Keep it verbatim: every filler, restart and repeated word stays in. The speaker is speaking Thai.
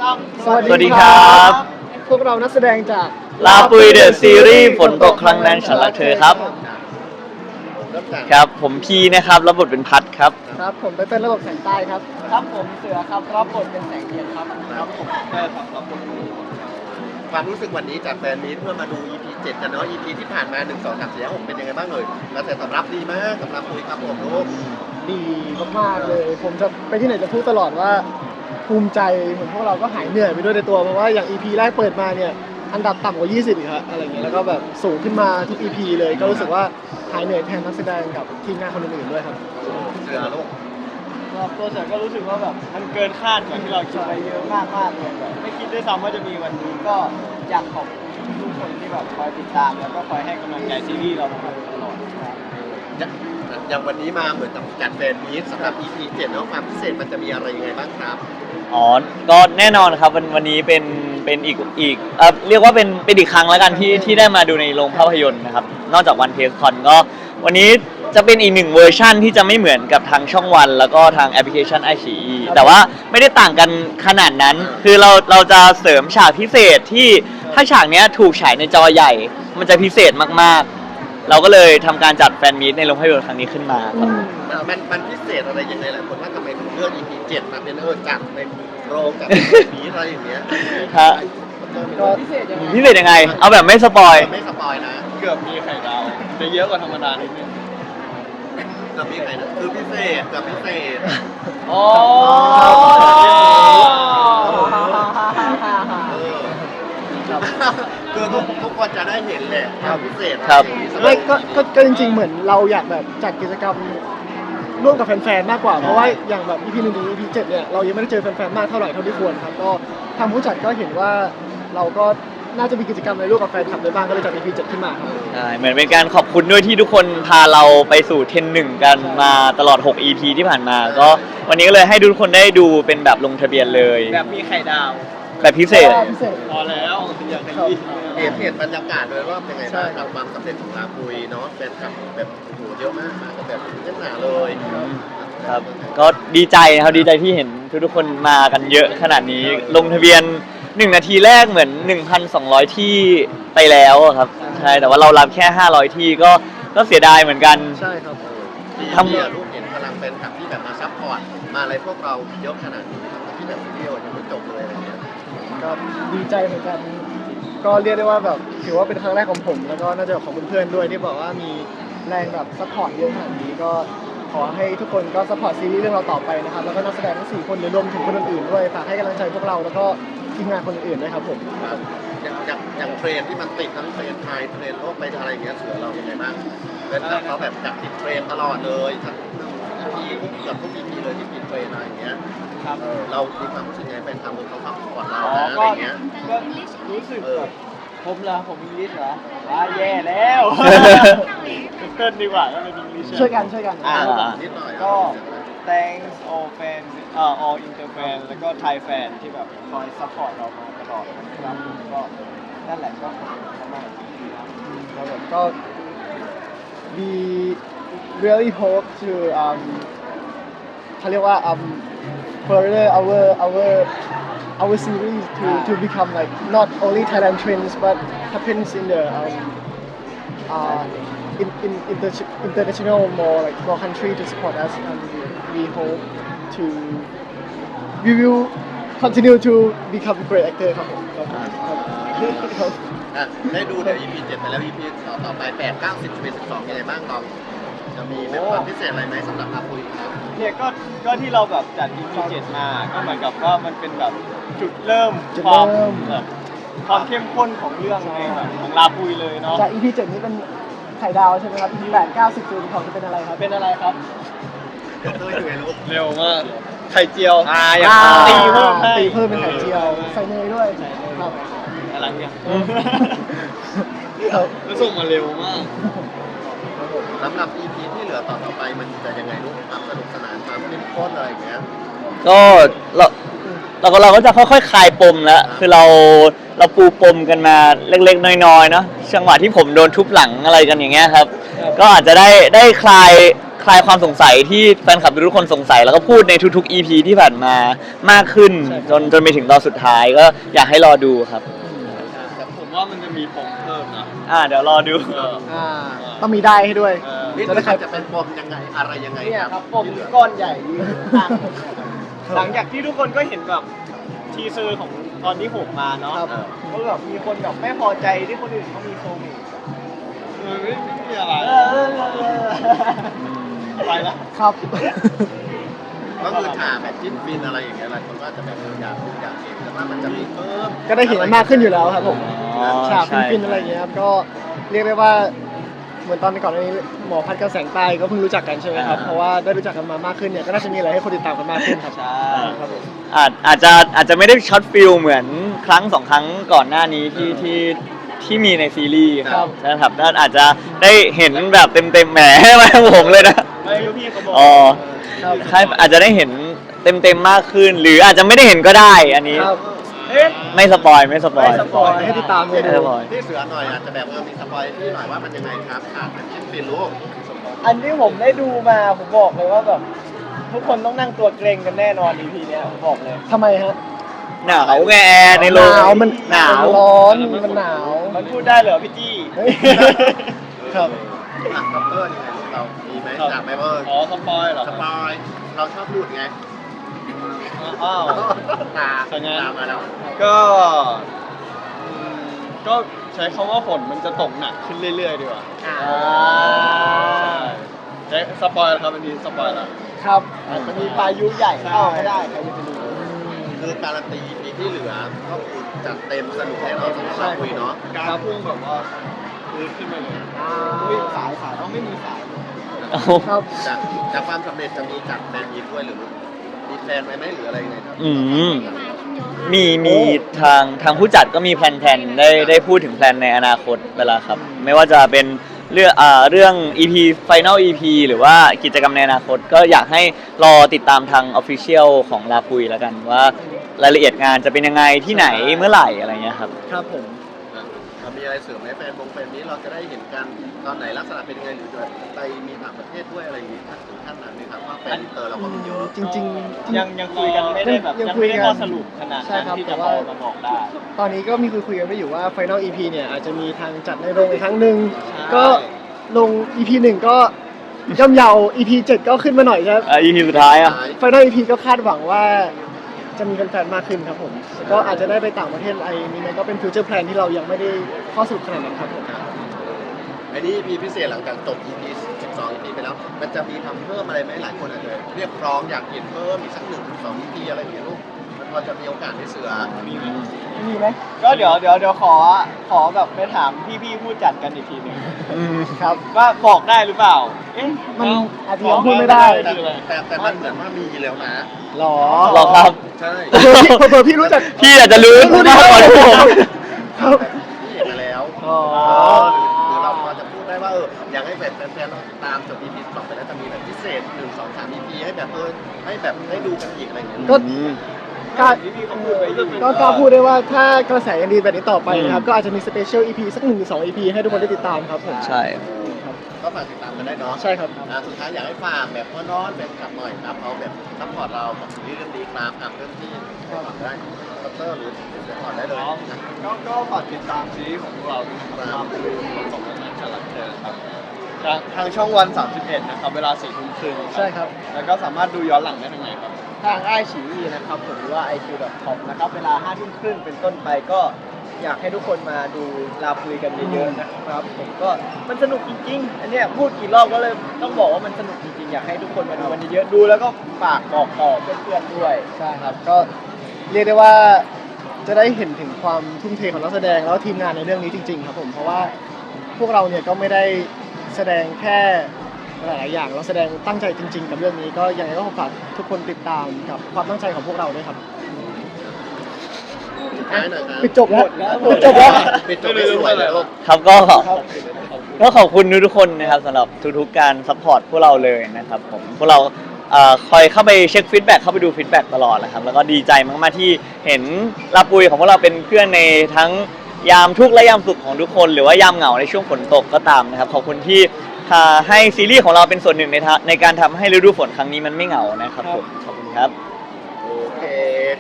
สวัสดีครับพวกเรานักแสดงจากลาปุยเดอะซีรีส์ฝนตกครั้งนั้นฉันรักเธอครับครับผมพีนะครับรับบทเป็นพัดครับครับผมเต้นระบบแสงใต้ครับครับผมเสือครับรับบทเป็นแสงเทียนครับครับผมเต้ครับรับบทความรู้สึกวันนี้จากแฟนมีตเพื่อมาดู อี พี เจ็ดกันเนาะ อี พี ที่ผ่านมาหนึ่ง สอง สาม สี่ ห้า หกเป็นยังไงบ้างเลยกระแสตอบรับดีมากสำหรับคุยครับผมลูกดีมากๆเลยผมจะไปที่ไหนจะพูดตลอดว่าภูมิใจเหมือนพวกเราก็หายเหนื่อยไปด้วยในตัวเพราะว่าอย่าง อี พี แรกเปิดมาเนี่ยอันดับต่ำกว่ายี่สิบอีกครับอะไรเงี้ยแล้วก็แบบสูงขึ้นมาทุก อี พี เลยก็รู้สึกว่าหายเหนื่อยแทนนักแสดงกับทีมงานคนอื่นๆด้วยครับเสือลูกตัวเสือก็รู้สึกว่าแบบมันเกินคาดกว่าที่เราคิดไปเยอะมากมากเลยแบบไม่คิดด้วยซ้ำว่าจะมีวันนี้ก็อยากขอบคุณทุกคนที่แบบคอยติดตามแล้วก็คอยให้กำลังใจซีรีส์เรามาตลอดครับอย่างวันนี้มาเหมือนกับจัดแฟนมีตสำหรับ อี พี เจ็ดเนาะความพิเศษมันจะมีอะไรยังไงบ้างครับอ๋อก็แน่นอนครับวันวันนี้เป็นเป็นอีกอีกเอ่อเรียกว่าเป็นเป็นอีกครั้งแล้วกันที่ที่ได้มาดูในโรงภาพยนตร์นะครับนอกจากวันเทสคอนก็วันนี้จะเป็นอีกหนึ่งเวอร์ชั่นที่จะไม่เหมือนกับทางช่องวันแล้วก็ทางแอปพลิเคชันไอชีแต่ว่าไม่ได้ต่างกันขนาดนั้นคือเราเราจะเสริมฉากพิเศษที่ถ้าฉากนี้ถูกฉายในจอใหญ่มันจะพิเศษมากๆเราก็เลยทำการจัดแฟนมีตในโรงภาพยนตร์ครั้งนี้ขึ้นมาครับมันมันพิเศษอะไรยังไงหลายคนว่าทำไมถึงเลือก อี พี เจ็ดมาเป็นเออจัดในโรงกับมีอะไรอย่างเงี้ยฮะก็พิเศษยังไงพิเศษยังไงเอาแบบไม่สปอยไม่สปอยนะเกือบมีไข่ดาวจะเยอะกว่าธรรมดานิดนึงเกือบมีไข่ดาวคือพิเศษเกือบพิเศษอ๋อคือทุกทุกคนจะได้เห็นแหละความพิเศษครับไม่ก็ก็จริงๆเหมือนเราอยากแบบจัดกิจกรรมร่วมกับแฟนๆมากกว่าเพราะว่าอย่างแบบ อี พี หนึ่งถึง อี พี เจ็ดเนี่ยเรายังไม่ได้เจอแฟนๆมากเท่าไหร่เท่าที่ควรครับก็ทางผู้จัดก็เห็นว่าเราก็น่าจะมีกิจกรรมในร่วมกับแฟนคลับได้บ้างก็เลยจัด อี พี เจ็ดขึ้นมาครับใช่เหมือนเป็นการขอบคุณด้วยที่ทุกคนพาเราไปสู่เทรนด์หนึ่งกันมาตลอดหก อี พี ที่ผ่านมาก็วันนี้ก็เลยให้ทุกคนได้ดูเป็นแบบลงทะเบียนเลยแบบมีไข่ดาวแบบพิเศษพอแล้วอย่างนี้เห็นเห็นบรรยากาศโดยรอบยังไงบ้างกับความสำเร็จของลาปุยเนาะแฟนคลับแบบโอ้โหเยอะมากมากันแบบเต็มหนาเลยครับก็ดีใจนะครับดีใจที่เห็นทุกๆคนมากันเยอะขนาดนี้ลงทะเบียนหนึ่งนาทีแรกเหมือน หนึ่งพันสองร้อย ที่ไปแล้วครับใช่แต่ว่าเรารับแค่ห้าร้อยที่ก็ก็เสียดายเหมือนกันใช่ครับทำเนี่ยรูปเห็นพลังแฟนคลับที่แบบมาซัพพอร์ตมาอะไรพวกเราเยอะขนาดนี้ที่แบบวิดีโอยังไม่จบเลยอะไรเงี้ยก็ดีใจเหมือนกันก็เรียกได้ว่าแบบถือว่าเป็นครั้งแรกของผมแล้วก็น่าจะของเพื่อนๆด้วยที่บอกว่ามีแรงแบบซัพพอร์ตเยอะขนาดนี้ก็ขอให้ทุกคนก็ซัพพอร์ตซีรีส์เรื่องเราต่อไปนะครับแล้วก็นักแสดงทั้งสี่คนหรือรวมถึงคนอื่นๆด้วยฝากให้กำลังใจพวกเราแล้วก็ทีมงานคนอื่นๆด้วยครับผมอย่างอย่างอย่างเทรนที่มันติดทั้งเทรนไทยเทรนโลกไปอะไรอย่างเงี้ยเสือเราเป็นไงบ้างเป็นแบบเขาแบบจับติดเทรนตลอดเลยทั้งอีพีเกือบทุกอีพีเลยที่ติดเทรนอะไรอย่างเงี้ยครับเรามีความรู้สึกไงเป็นทำเขาซัพพอร์ตเราอะไรอย่างเงี้ยก็รู้สึกแบบผมเหรอผมอิงลิชเหรอว้าแย่แล้วเกินดีกว่าก็เป็นอิงลิชช่วยกันช่วยกันอ่านิดหน่อยก็ thanks all fans เอ่อ all inter fan แล้วก็ Thai fan ที่แบบคอยซัพพอร์ตเรามาตลอดนะครับก็นั่นแหละก็ขอบคุณมากครับผมก็ we really hope to um เขาเรียกว่า um further our our our series to to become like not only Thailand trends but happens in the um uh in in inter international more like more country to support us and we hope to we will continue to become great actor ครับผมครับได้ดูเดี๋ยว อี พี เจ็ดไปแล้ว อี พี ต่อต่อไปแปด เก้า สิบ สิบเอ็ด สิบสองยังไงบ้างลองจะมีแบบความพิเศษอะไรไหมสำหรับอาปุยเนี่ยก็ก็ที่เราแบบจัด อี พี เจ็ดมาก็เหมือนกับว่ามันเป็นแบบจุดเริ่มความแบบความเข้มข้นของเรื่องในแบบของลาปุยเลยเนาะจาก อี พี เจ็ดนี้เป็นไข่ดาวใช่ไหมครับ อี พี แปด เก้า สิบ สิบเอ็ด สิบสองจะเป็นอะไรครับเป็นอะไรครับเร็วมากไข่เจียวอ่าอย่างตีเพิ่มตีเพิ่มเป็นไข่เจียวใส่เนยด้วยครับอะไรเนี่ยแล้วส่งมาเร็วมากสำหรับ อี พี ที่เหลือต่อต่อไปมันจะยังไงลูกความสนุกสนานความเข้มข้นอะไรอย่างเงี้ยก็เราเราก็เราก็จะค่อยๆคลายปมแล้วคือเราเราปูปมกันมาเล็กๆน้อยๆเนาะจังหวะที่ผมโดนทุบหลังอะไรกันอย่างเงี้ยครับก็อาจจะได้ได้คลายคลายความสงสัยที่แฟนคลับทุกคนสงสัยแล้วก็พูดในทุกๆ อี พี ที่ผ่านมามากขึ้นจนจนไปถึงตอนสุดท้ายก็อยากให้รอดูครับแต่ผมว่ามันจะมีปมเพิ่มนะอ่าเดี๋ยวรอดูเอออ่าต้องมีได้ให้ด้วยเออนี่จะได้ใครจะเป็นปมยังไงอะไรยังไงเนี่ยครับปมก้อนใหญ่ยืนข้างผมเนี่ยครับหลังจากที่ทุกคนก็เห็นแบบทีเซอร์ของตอนที่หกมาเนาะครับก็แบบมีคนแบบไม่พอใจที่คนอื่นเขามีโซมิเออไม่ไม่มีอะไรไปละครับก็คือฉากแบบจิ้นฟินอะไรอย่างเงี้ยหลายคนก็จะแบบอยากดูอยากเห็นแต่ว่ามันจะมีเพิ่มก็ได้เห็นมันมากขึ้นอยู่แล้วครับผมอ๋อฉากใช่ฟินๆอะไรอย่างเงี้ยครับก็เรียกได้ว่าเหมือนตอนก่อนหน้านี้หมอพัดกับแสงใต้ก็เพิ่งรู้จักกันใช่ไหมครับเพราะว่าได้รู้จักกันมามากขึ้นเนี่ยก็น่าจะมีอะไรให้คนติดตามกันมากขึ้นครับใช่ครับผมอาจอาจจะอาจจะไม่ได้ช็อตฟิลเหมือนครั้งสองครั้งก่อนหน้านี้ที่ที่ที่มีในซีรีส์ครับนะครับถ้าอาจจะได้เห็นแบบเต็มเต็มๆแหมมาผมเลยนะไม่รู้พี่เขาบอกอ๋อครับใช่อาจจะได้เห็นเต็มเต็มๆมากขึ้น หรืออาจจะไม่ได้เห็นก็ได้อันนี้ครับเอ๊ะไม่สปอยไม่สปอยไม่สปอยให้ติดตามเลยไม่สปอยที่เสือหน่อยอาจจะแบบเออมีสปอยที่หน่อยว่ามันยังไงครับฉากแบบจิ้นฟินลูกอันที่ผมได้ดูมาผมบอกเลยว่าแบบทุกคนต้องนั่งตัวเกรงกันแน่นอน อี พี เนี้ยผมบอกเลยทำไมฮะหนาวไงแอร์ในโรงหนาวมันหนาวร้อนมันหนาวมันพูดได้เหรอพี่จี้เฮ้ยครับหนักคัพเตอร์ยังไงลูกเรามีไหมจากไหมเบอร์อ๋อสปอยเหรอสปอยเราชอบพูดไงอ้าวตาเป็นไงตามมาแล้วก็อืมก็ใช้คำว่าฝนมันจะตกหนักขึ้นเรื่อยๆดีกว่าอ่าใช้สปอยล์ครับอันนี้สปอยล์แล้วครับอาจจะมีพายุใหญ่เข้าก็ได้ใครจะไปรู้คือการันตีปีที่เหลือก็คือจัดเต็มสนุกแน่นอนสำหรับเราคุยเนาะการพุ่งแบบว่าพื้นขึ้นมาเลยอ่าไม่สายสายต้องไม่มีสายเอาครับจากจากความสำเร็จจะมีจัดแฟนมีตด้วยหรือมีแฟนไว้ไหมหรืออะไรยังไงครับอืมมีมีทางทางผู้จัดก็มีแพลนๆได้ได้พูดถึงแพลนในอนาคตเวลาครับ ไม่ว่าจะเป็นเรื่องอ่าเรื่อง อี พี Final อี พี หรือว่ากิจกรรมในอนาคต ก็อยากให้รอติดตามทาง Official ของลาปุยแล้วกันว่ารายละเอียดงานจะเป็นยังไงที่ไหนเมื่อไหร่อะไรเงี้ยครับครับผมอ่ะมีอะไรเสริมไหมแฟนวงแฟนนี้เราจะได้เห็นกันตอนไหนลักษณะเป็นยังไงหรือจะไปมีต่างประเทศด้วยอะไรอย่างนี้ถึงขั้นนั้นไหมครับว่าแฟนอินเตอร์เราก็มีเยอะจริงๆจริงยังยังคุยกันไม่ได้แบบยังยังคุยไม่กันได้ข้อสรุปขนาดใช่นั้นครับที่แต่จะพว่าอมาบอกได้ตอนนี้ก็มีคุยคุยกันไปอยู่ว่า Final อี พี เนี่ยอาจจะมีทางจัดในโรงอีกครั้งหนึ่งใช่ก็ลง อี พี หนึ่งก็ย่อมเยา อี พี เจ็ดก็ขึ้นมาหน่อยครับอ่า อี พี สุดท้ายอ่ะ Final อี พี ก็คาดหวังว่าจะมีแฟนๆมากขึ้นครับผมแล้วก็อาจจะได้ไปต่างประเทศอะไรนี้มันก็เป็นฟิวเจอร์แพลนที่เรายังไม่ได้ข้อสรุปขนาดนั้นครับผมอันนี้ อี พี พิเศษหลังจากจบ อี พี สิบสอง อี พี ไปแล้ว มันจะมีทำเพิ่มอะไรไหมหลายคนอาจจะเรียกร้องอยากเห็นเพิ่มอีกสักหนึ่งถึงสอง อี พี อะไรอย่างเงี้ยลูกมันพอจะมีโอกาสได้เสือมีไหมมีไหมก็เดี๋ยวเดี๋ยวเดี๋ยวขอขอแบบไปถามพี่ๆผู้จัดกันอีกทีหนึ่งอืมครับว่าบอกได้หรือเปล่า เอ๊ะมันเอาจจะยังพูดไม่ได้แต่คืออะไรแต่แต่มันเหมือนว่ามีแล้วนะหรอหรอครับใช่เผื่อพี่เผื่อพี่รู้จักพี่อาจจะรู้มากกว่าผมครับที่เห็นมาแล้วอ๋อหรือเราพอจะพูดได้ว่าเอออยากให้แฟนแฟนๆเราติดตามจบ อี พี สองไปแล้วจะมีแบบพิเศษหนึ่งสองสาม อี พี ให้แบบเออให้แบบได้ดูกันอีกอะไรอย่างเงี้ยก็อืมกล้าพี่ๆเขาพูดไว้จะเป็นก็กล้าพูดได้ว่าถ้ากระแสยังดีแบบนี้ต่อไปนะครับก็อาจจะมีสเปเชียล อี พี สักหนึ่งหรือสอง อี พี ให้ทุกคนได้ติดตามครับผมใช่ครับก็ฝากติดตามกันได้เนาะใช่ครับอ่าสุดท้ายอยากให้ฝากแบบพ่อน้อนแบบกลับหน่อยครับเขาแบบซัพพอร์ตเรากับซีรีส์เรื่องนี้ครับอ่ะเริ่มที่ฝากได้คอปเตอร์หรือเดี๋ยวก่อนได้เลยนะก็ก็ฝากติดตามซีรีส์ของพวกเราด้วยนะครับคือของสองคนนั้นฉลักเธอครับทางทางช่องวันสามสิบเอ็ดนะครับเวลาสี่ทุ่มครึ่งใช่ครับแล้วก็สามารถดูย้อนหลังได้ทางไหนครับทางไอฉีอีนะครับผมหรือว่า ไอ คิว ดอท คอม นะครับเวลาห้าทุ่มครึ่งเป็นต้นไปก็อยากให้ทุกคนมาดูลาคุยกันเยอะๆนะครับผมก็มันสนุกจริงๆ อันเนี้ยพูดกี่รอบก็เลยต้องบอกว่ามันสนุกจริงๆ อยากให้ทุกคนมาดูกันเยอะๆดูแล้วก็ฝากบอกต่อเพื่อนๆด้วยใช่ครับก็เรียกได้ว่าจะได้เห็นถึงความทุ่มเทของนักแสดงแล้วก็ทีมงานในเรื่องนี้จริงๆครับผมเพราะว่าพวกเราเนี่ยก็ไม่ได้แสดงแค่หลายๆอย่างเราแสดงตั้งใจจริง ๆ กับเรื่องนี้ก็ยังไงก็ฝากทุกคนติดตามกับความตั้งใจของพวกเราด้วยครับสุดท้ายหน่อยครับปิดจบแล้วปิดจบแล้วปิดจบได้สวยเลยลูกครับก็ครับก็ขอบคุณทุกๆคนนะครับสำหรับทุกๆการซัพพอร์ตพวกเราเลยนะครับผมพวกเราเอ่อคอยเข้าไปเช็คฟีดแบ็กเข้าไปดูฟีดแบ็กตลอดนะครับแล้วก็ดีใจมากๆที่เห็นลาปุยของพวกเราเป็นเพื่อนในทั้งยามทุกข์และยามสุขของทุกคน หรือว่ายามเหงาในช่วงฝนตกก็ตามนะครับขอบคุณที่ถ้าให้ซีรีส์ของเราเป็นส่วนหนึ่งในทะในการทำให้ฤดูฝนครั้งนี้มันไม่เหงานะครับผมขอบคุณครับโอเค